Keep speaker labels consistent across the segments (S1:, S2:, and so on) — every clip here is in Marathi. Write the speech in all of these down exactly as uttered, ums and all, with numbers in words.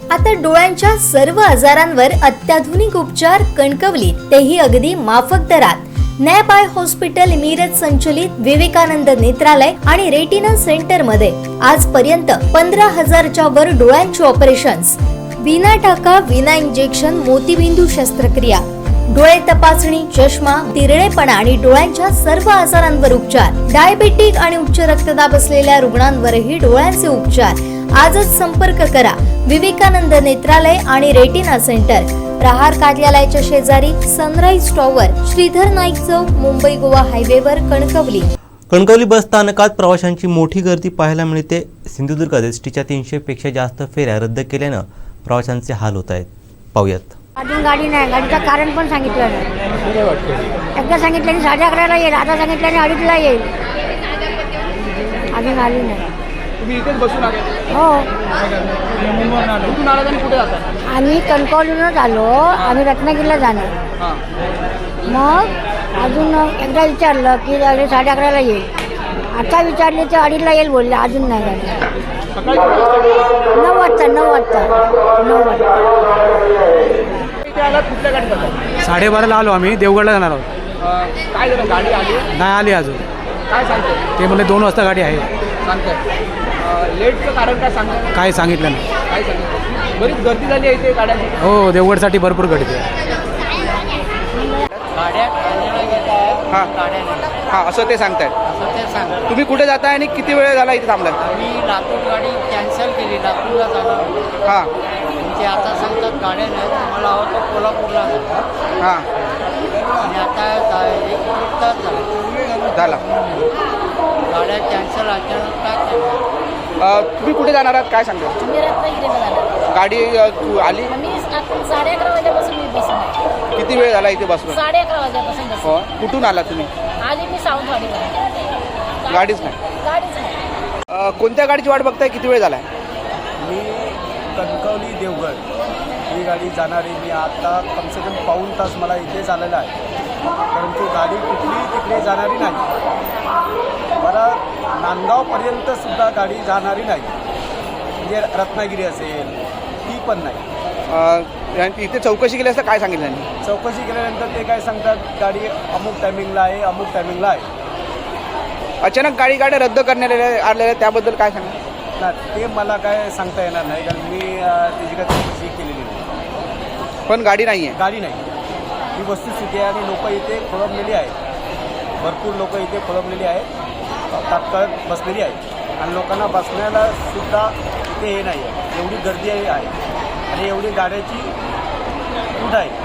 S1: आता डोळ्यांच्या सर्व आजारांवर अत्याधुनिक उपचार कणकवलीत, तेही अगदी माफक दरात। नॅप आय हॉस्पिटल मिरज संचलित विवेकानंद नेत्रालय आणि रेटिना सेंटर मध्ये आजपर्यंत पंधरा हजारच्या वर डोळ्यांची ऑपरेशन्स, विना टाका विना इंजेक्शन मोतीबिंदू शस्त्रक्रिया, डोळे तपासणी, चष्मा, तिरळेपणा आणि डोळ्यांच्या सर्व आजारांवर उपचार, डायबेटिक आणि उच्च रक्तदाब असलेल्या रुग्णांवरही डोळ्यांचे उपचार। आजच संपर्क करा विवेकानंद नेत्रालय आणि रेटिना सेंटर, प्रहार कार्यालयाच्या शेजारी, सनराइज टॉवर, श्रीधर नाईक चौक, मुंबई गोवा हायवेवर, कणकवली।
S2: कणकवली बस स्थानकात प्रवाशांची मोठी गर्दी पाहायला मिळते। सिंधुदुर्गात एसटीच्या तीनशे पेक्षा जास्त फेऱ्या रद्द केल्यानं प्रवाशांचे हाल होत आहेत। पाहूयात।
S3: अजून गाडी नाही, गाडीचं कारण पण सांगितलं नाही। एकदा सांगितल्याने साडे अकराला येईल, आता सांगितल्याने अडीचला येईल, अजून आली नाही।
S4: तुम्ही इथेच बसून आले?
S3: हो,
S4: मुंबईवरून आलो। कुठून आलात आणि कुठे जाता?
S3: आम्ही कणकवलीवरूनच आलो, आम्ही रत्नागिरीला जाणार।
S4: हां,
S3: मग अजून एकदा विचारलं की साडे अकराला येईल, आता विचारले तर अडीचला येईल बोलले, अजून नाही गाडी।
S4: सकाळी किती वाजता?
S3: नऊ वाजता नऊ वाजता नऊ वाजता
S4: इथे आलात, कुठल्या गाडीत आलात?
S5: साडेबाराला आलो आम्ही, देवगडला जाणार आहोत।
S4: अं, काय झालं, गाडी आली
S5: नाही आली अजून,
S4: काय सांगते?
S5: ते म्हणले दोन वाजता गाडी आहे,
S4: सांगताय लेटचं कारण काय सांगताय?
S5: काय सांगितलं नाही।
S4: काय सांगितलं? बरीच गर्दी झाली आहे इथे गाड्यांची।
S5: हो, देवगडसाठी भरपूर गर्दी आहे।
S4: हां हां, असं ते सांगतायत।
S6: असं ते सांग
S4: तुम्ही कुठे जाताय आणि किती वेळ झाला इथे थांबलात?
S6: मी लातूर गाडी कॅन्सल केली, लातूरला जाणार होतो।
S4: हां
S6: म्हणजे आता सांगतात गाड्या नाही, मला हवं तर कोल्हापूरला जातो
S4: हां,
S6: आणि आता जा- एक एक तास झाला
S4: झाला।
S6: गाड्या कॅन्सल अचानक काय केलं?
S4: अं, तुम्ही कुठे जाणार आहात काय सांगता?
S7: मी रत्नागिरीला जाणार।
S4: गाडी अं, तू आली?
S7: मी आता साडे अकरा वाजल्यापासून मी बसून आहे।
S4: किती वेळ झाला इथे बसून?
S7: साडे अकरा वाजल्यापासून बसून
S4: हो, कुठून आला तुम्ही?
S7: आली मी सावंतवाडीला।
S4: गाडीच नाही?
S7: गाडीच नाही।
S4: अं, कोणत्या गाडीची वाट बघताय? किती वेळ झाला?
S8: मी कणकवली देवगड ही गाडी जाणारी, मी आता कम से कम पाऊण तास मला इथे झालेला आहे, परंतु गाडी कुठली तिकडे जाणारी नाही। मला नांदगावपर्यंतसुद्धा गाडी जाणारी नाही, म्हणजे रत्नागिरी असेल ती पण नाही।
S4: अं, इथे चौकशी केली असता काय सांगितलं त्यांनी?
S8: चौकशी केल्यानंतर ते काय सांगतात, गाडी अमुक टायमिंगला आहे, अमुक टायमिंगला आहे।
S4: अचानक गाडी गाड्या रद्द करण्यात आलेल्या आलेल्या त्याबद्दल काय सांगा?
S8: ना ते मला काय सांगता येणार नाही, कारण मी अं, त्याची काय चौकशी केलेली नाही।
S4: पण गाडी नाही आहे?
S8: गाडी नाही, ही वस्तुस्थिती आहे आणि लोक इथे खोळंबलेली आहेत, भरपूर लोक इथे खोळंबलेली आहेत, तात्काळ बसलेली आहेत आणि लोकांना बसण्याला सुद्धा इथे हे नाही आहे, एवढी गर्दी आहे आणि एवढी गाड्याची फूट आहे।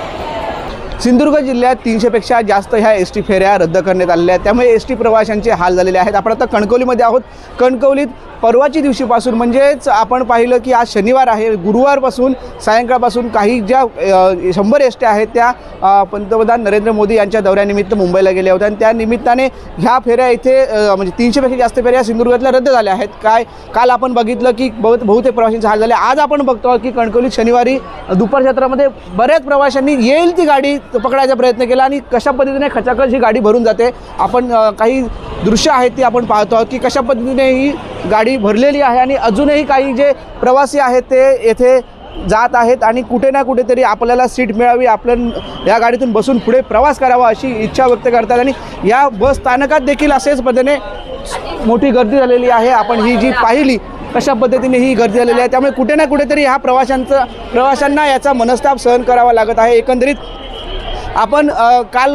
S4: सिंधुदुर्ग जिल्ह्यात तीनशेपेक्षा जास्त ह्या एस टी फेऱ्या रद्द करण्यात आलेल्या आहेत, त्यामुळे एस टी प्रवाशांचे हाल झालेले आहेत। आपण आता कणकवलीमध्ये आहोत। कणकवलीत परवाची दिवशीपासून म्हणजेच आपण पाहिलं की आज शनिवार आहे, गुरुवारपासून सायंकाळपासून काही ज्या अ, शंभर एस टी आहेत त्या अ, पंतप्रधान नरेंद्र मोदी यांच्या दौऱ्यानिमित्त मुंबईला गेल्या होत्या आणि त्या निमित्ताने ह्या फेऱ्या इथे अ, म्हणजे तीनशेपेक्षा जास्त फेऱ्या सिंधुदुर्गातल्या रद्द झाल्या आहेत। काय काल आपण बघितलं की बहुत बहुतेक प्रवाशांचे हाल झाले। आज आपण बघतो की कणकवलीत शनिवारी दुपार क्षेत्रामध्ये बऱ्याच प्रवाशांनी येईल ती गाडी पकडायचा प्रयत्न केला आणि कशा पद्धतीने खचाखच ही गाडी भरून जाते। आपण अ, काही दृश्य आहेत ती आपण पाहतो आहोत की कशा पद्धतीने ही गाडी भरलेली आहे आणि अजूनही काही जे प्रवासी आहेत ते येथे जात आहेत आणि कुठे ना कुठेतरी आपल्याला सीट मिळावी, आपण या गाडीतून बसून पुढे प्रवास करावा अशी इच्छा व्यक्त करतात आणि या बस स्थानकात देखील असेच पद्धतीने मोठी गर्दी झालेली आहे। आपण ही जी पाहिली कशा पद्धतीने ही गर्दी झालेली आहे, त्यामुळे कुठे ना कुठेतरी ह्या प्रवाशांचं प्रवाशांना याचा मनस्ताप सहन करावा लागत आहे। एकंदरीत आपण काल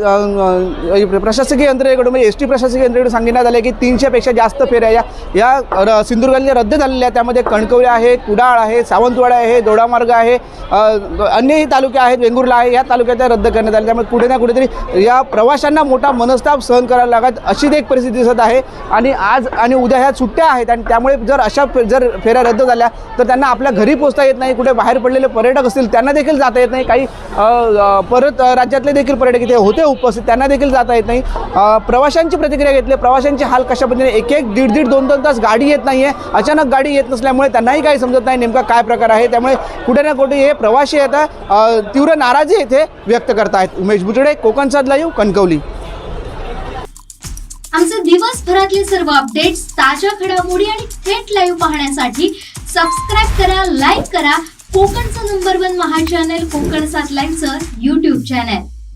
S4: प्रशासकीय यंत्रणेकडून म्हणजे एस टी प्रशासकीय यंत्रणेकडून सांगण्यात आले की तीनशेपेक्षा जास्त फेऱ्या या या सिंधुदुर्गातल्या रद्द झालेल्या आहेत। त्यामध्ये कणकवली आहे, कुडाळ आहे, सावंतवाडा आहे, दोडामार्ग आहे, अन्यही तालुके आहेत, वेंगुर्ला आहे, या तालुक्यात रद्द करण्यात आले। त्यामुळे कुठे ना कुठेतरी या प्रवाशांना मोठा मनस्ताप सहन करायला लागत अशी एक परिस्थिती दिसत आहे आणि आज आणि उद्या ह्या सुट्ट्या आहेत आणि त्यामुळे जर अशा जर फेऱ्या रद्द झाल्या तर त्यांना आपल्या घरी पोहोचता येत नाही, कुठे बाहेर पडलेले पर्यटक असतील त्यांना देखील जाता येत नाही, काही परत राज्यातले देखील पर्यटक इथे होते उपस्थित त्यांना देखील जाता येत नाही। प्रवाशांची प्रतिक्रिया घेतली, प्रवाशांची हाल कशा पद्धतीने एक एक दीड दीड दोन दोन तास गाडी येत नाही आहे, अचानक गाडी येत नसल्यामुळे त्यांनाही काही समजत नाही नेमका काय प्रकार आहे। त्यामुळे कुठे ना कुठे हे प्रवासी आता तीव्र नाराजी येथे व्यक्त करत आहेत। उमेश बुचडे, कोकण सात लाईव्ह, कणकवली।
S9: आमचे दिवसभरातले सर्व अपडेट्स, ताज्या घडामोडी आणि थेट लाईव्ह पाहण्यासाठी
S1: सबस्क्राईब करा, लाईक करा कोकणचं number one Maha channel Konkan सात लाईनचं यूट्यूब चॅनल.